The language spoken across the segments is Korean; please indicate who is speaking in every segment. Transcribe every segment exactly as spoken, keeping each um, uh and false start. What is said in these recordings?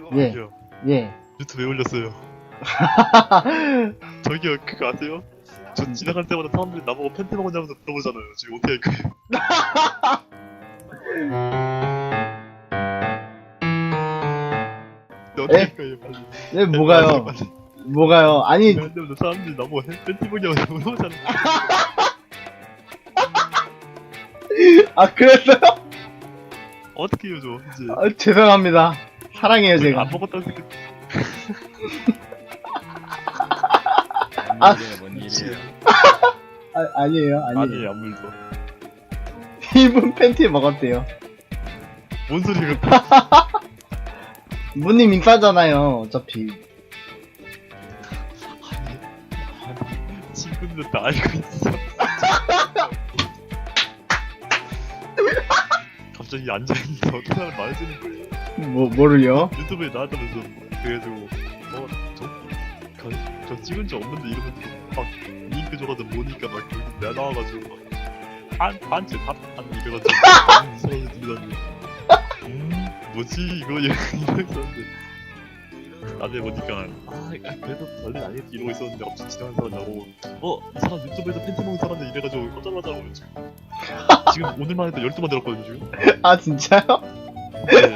Speaker 1: 예.
Speaker 2: 저기요.
Speaker 1: 예.
Speaker 2: 유튜브에 올렸어요. 저기요, 그거 아세요? 저 지나갈 때마다 사람들이 나보고 팬티 먹었냐면서 물어보잖아요. 지금 어떻게 할까요? 네, 어떻게
Speaker 1: 에?
Speaker 2: 할까요? 빨리.
Speaker 1: 예, 뭐가요?
Speaker 2: 빨리, 빨리.
Speaker 1: 뭐가요? 아니,
Speaker 2: 지나갈 때마다 사람들이 나보고 팬- 팬티 먹냐면서 물어보잖아요.
Speaker 1: 아, 그랬어요?
Speaker 2: 어떻게 해요, 저 이제.
Speaker 1: 아, 죄송합니다. 사랑해요,
Speaker 2: 안
Speaker 1: 제가.
Speaker 2: 먹었다는 생각.
Speaker 1: 아.
Speaker 3: 뭔 일이에요, 뭔 일이에요.
Speaker 1: 아, 아니에요, 아니에요.
Speaker 2: 아니에요, 아무 일도.
Speaker 1: 이분 팬티 먹었대요.
Speaker 2: 뭔 소리가.
Speaker 1: 무님 인싸잖아요, 어차피.
Speaker 2: 아니, 친구들 다 알고 있어. 갑자기 앉아있는데 어떤 사람 말해주는 거예요.
Speaker 1: 뭐, 뭐를요?
Speaker 2: 유튜브에 나왔다면서 그래가지고 어? 저? 저, 저 찍은 적 없는데 이러면서 막 링크 줘가지고 보니까 막 여기 내가 나와가지고 한, 한치 한, 한 이래가지고 이상하게 들리더니 음? 뭐지 이거 이러고 있었는데 나중에 보니까 아 그래도 별일 아니겠지 이러고 있었는데 갑자기 지나가는 사람 나오고 어? 이 사람 유튜브에서 팬티 먹는 사람들 이래가지고 깜짝 놀라고 지금 지금 오늘만 해도 열두 번 들었거든요 지금.
Speaker 1: 아, 진짜요?
Speaker 2: 네.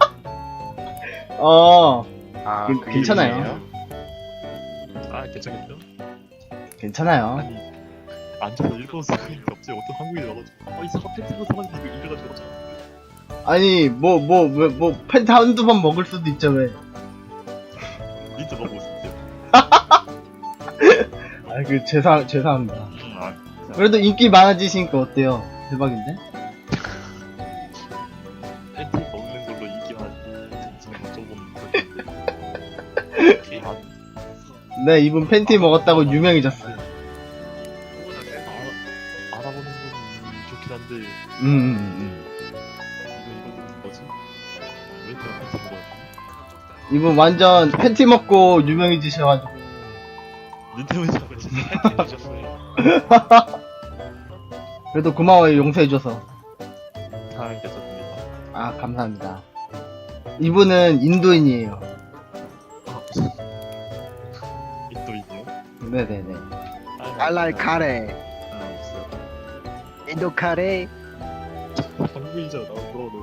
Speaker 1: 어,
Speaker 3: 아,
Speaker 1: 그-
Speaker 3: 그게
Speaker 1: 괜찮아요.
Speaker 3: 일이에요?
Speaker 2: 아 괜찮겠죠?
Speaker 1: 괜찮아요.
Speaker 2: 아니 앉아서 일본 사람인데 갑자기 어떤 한국인이 와가지고 어이 사람 팬티 먹는 사람인데 이거 이래가지고
Speaker 1: 아니, 뭐, 뭐, 뭐, 뭐, 팬티 한두 번 먹을 수도 있죠, 왜.
Speaker 2: 진짜 먹고 싶대요.
Speaker 1: 아, 그, 죄송, 죄송합니다.
Speaker 2: 아,
Speaker 1: 그래도 인기 많아지시니까 어때요? 대박인데?
Speaker 2: 팬티 먹는 걸로 인기만 정말 조금 그렇게 아,
Speaker 1: 네, 이분 팬티 먹었다고 유명해졌어요.
Speaker 2: 아, 알아보는 건 좋긴 한데
Speaker 1: 음, 음, 음.
Speaker 2: 이거 이거 뭐지? 왜 내가 팬티 먹어야 돼?
Speaker 1: 이분 완전 팬티 먹고 유명해지셔가지고.
Speaker 2: 닌텐도 잡을 진짜 팬티 드셨어요.
Speaker 1: 그래도 고마워요, 용서해줘서.
Speaker 2: 사랑이 계셨습니다.
Speaker 1: 아, 감사합니다. 이분은 인도인이에요.
Speaker 2: 인도인이요?
Speaker 1: 네네네.
Speaker 4: I like 카레.
Speaker 2: 아 없어.
Speaker 4: 인도 카레.
Speaker 2: 한국인이잖아 나 물어보는.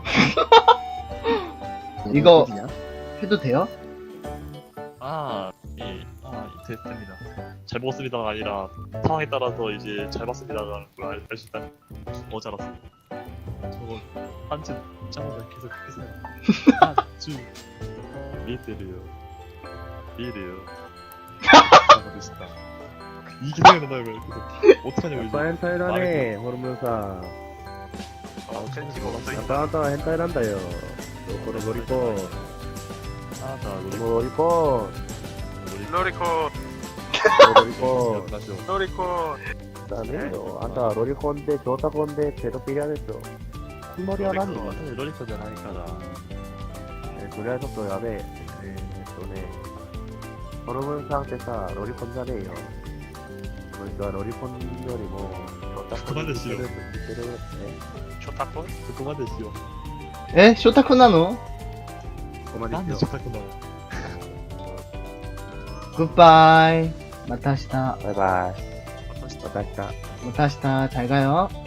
Speaker 1: 이거- 해도 돼요?
Speaker 2: 아, 예, 아, 되, 됩니다. 잘 먹었습니다가 아니라 상황에 따라서 이제 잘 봤습니다가 알 수 있다는 어제 알았어요. 저거 한치 짜면 계속 그렇게 생각. 한주 미테르요, 미래요. 잘못했다. 이게 생각나요, 왜? 그래서 어떡하냐고 이제.
Speaker 5: 헨타이라네 호르몬사
Speaker 2: 아, 팬티가 갑자기
Speaker 5: 아따 아따 헨타이란다요 요코로 로리콘
Speaker 2: 아, 나 우리
Speaker 5: 로리콘
Speaker 2: 우리
Speaker 6: 로리콘
Speaker 5: 로리콘
Speaker 6: 로리콘
Speaker 5: 다네요 아따 로리콘 데 조타콘 데 페도피리 하겠죠 흰머리 하나니
Speaker 2: 로리콘 하니까
Speaker 5: 네 그래서 야베 네 또네 호르몬 상태사 로리콘 자네요 그러니까 로리콘 요리 뭐 조타콘
Speaker 2: 그만하시오.
Speaker 5: 네
Speaker 6: 쇼타콘
Speaker 2: 그만 됐시오.
Speaker 1: 에? 쇼타쿠나노?
Speaker 2: 나한테
Speaker 5: 그만이죠
Speaker 2: 좋다구나.
Speaker 1: 굿바이. 마타시타.
Speaker 5: 바이바이
Speaker 2: 아까 진짜
Speaker 5: 마타시타
Speaker 1: 마타시타. 잘 가요.